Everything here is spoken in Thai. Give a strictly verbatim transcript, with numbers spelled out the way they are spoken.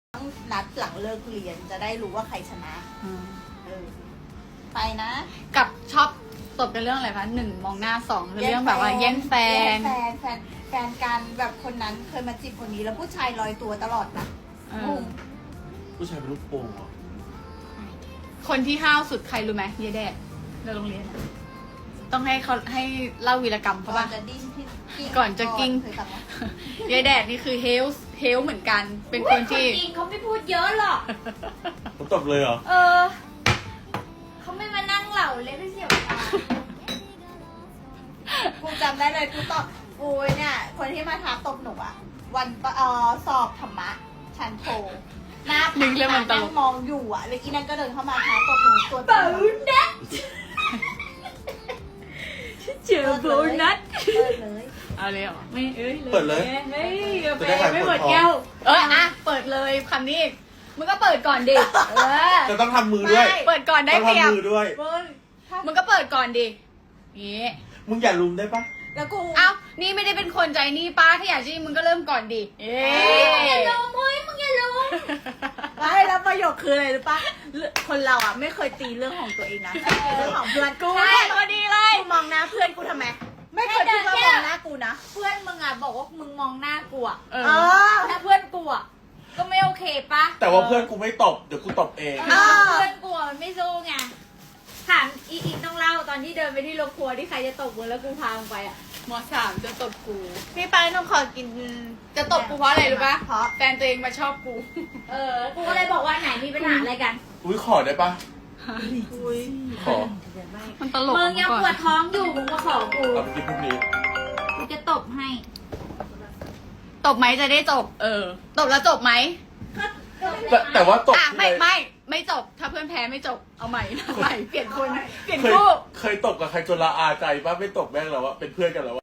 ต้องนัดหลังเลิกเรียนจะได้รู้ว่าใครชนะเออไปนะกับชอบตบกันเรื่องอะไรคะหนึ่งมองหน้าสองคือเรื่องแบบว่าแย่งแฟนแฟนแฟนแฟนกันแบบคนนั้นเคยมาจีบคนนี้แล้วผู้ชายลอยตัวตลอดนะเอองงผู้ชายเป็นลูกโป่งเหรอคนที่ห้าวสุดใครรู้ไหมเยแดดในโรงเรียนอะต้องให้เขาให้เล่าวีรกรรมเขาก่อป่ะนจะดิ้นที่กิ้งก่อนจะกิ้งเคยฟังไหมเยแดดนี่คือเฮลส์เฮลเหมือนกัน เป็นคนที่จริงเขาไม่พูดเยอะหรอกผมตบเลยเหรอเออ เขาไม่มานั่งเหล่าเลยไม่เสียเวลากูจำได้เลยกูตอบกูเนี่ยคนที่มาท้าตบหนูอะวันเอ่อสอบธรรมะชั้นโทหน้านึกแล้วมันตลกนั่งมองอยู่อะแล้วอีนั่นก็เดินเข้ามาท้าตบหนูตัวเบานัดเจอโบนัสเปิดเลยเอาเลยเหรอไม่เอ้ยเปิดเลยเฮ้ยกาแฟจะได้ขายไม่ปหมวดดท้องแก้วเอออ่ะเปิดเลยคำนี้อีกมึงก็เปิดก่อนดิเออจะต้องทำมือด้วยเปิดก่อนได้ต้องเปรียบทำมือด้วยมึงถ้ามึงก็เปิดก่อนดินี่มึงอย่าลุมได้ปะแล้วกูเอ้านี่ไม่ได้เป็นคนใจนี่ป้าถ้าอยากจะมึงก็เริ่มก่อนดิเอ๊มึงอย่าลงเฮ้ยมึงอย่าลงไม่แล้วประโยคคืออะไรรู้ปะเรื่องคนเราอะไม่เคยตีเรื่องของตัวเองนะตีเรื่องของเพื่อนกูใช่พอดีเลยกูมองหน้าเพื่อนกูทำไมไม่เคยคิดว่ามองหน้ากูนะเพื่อนมึงอ่ะบอกว่ามึงมองหน้ากูอ่ะเอเอออถ้าเพื่อนกูอ่ะก็ไม่โอเคปะแต่ว่าเพื่อนกูไม่ตบ เดี๋ยวกูตบเองเออเพื่อนกูอะมันไม่สู้ไงถามอีอีต้องเล่าตอนที่เดินไปที่โรงครัวที่ใครจะตบมึงแล้วกูพามึงไปอ่ะมสามจะตบกูพี่ไปต้องขอกินจะตบกูเพราะอะไรรู้ปะเพราะแฟนตัวเองมาชอบกูเออ กูก็เลยบอกว่าไหนมีปัญหาอะไรกันอุ้ยขอได้ปะอุ้ยขอมันตลกมึงยังปวดท้องอยู่ มึงมาขอกูเอาไปกินพรุ่งนี้กูจะตบให้ตบไหมจะได้จบ เออ ตบแล้วจบไหมแต่แต่ว่าตบอ่ะที่ไม่ไหนไม่ไม่จบ ถ้าเพื่อนแพ้ไม่จบ เอาใหม่เอาใหม่เปลี่ยนคน เปลี่ยนเคยคู่เคยตบกับใครจนละอาใจปะไม่ตบแม่งแล้วอะเป็นเพื่อนกันแล้วอะ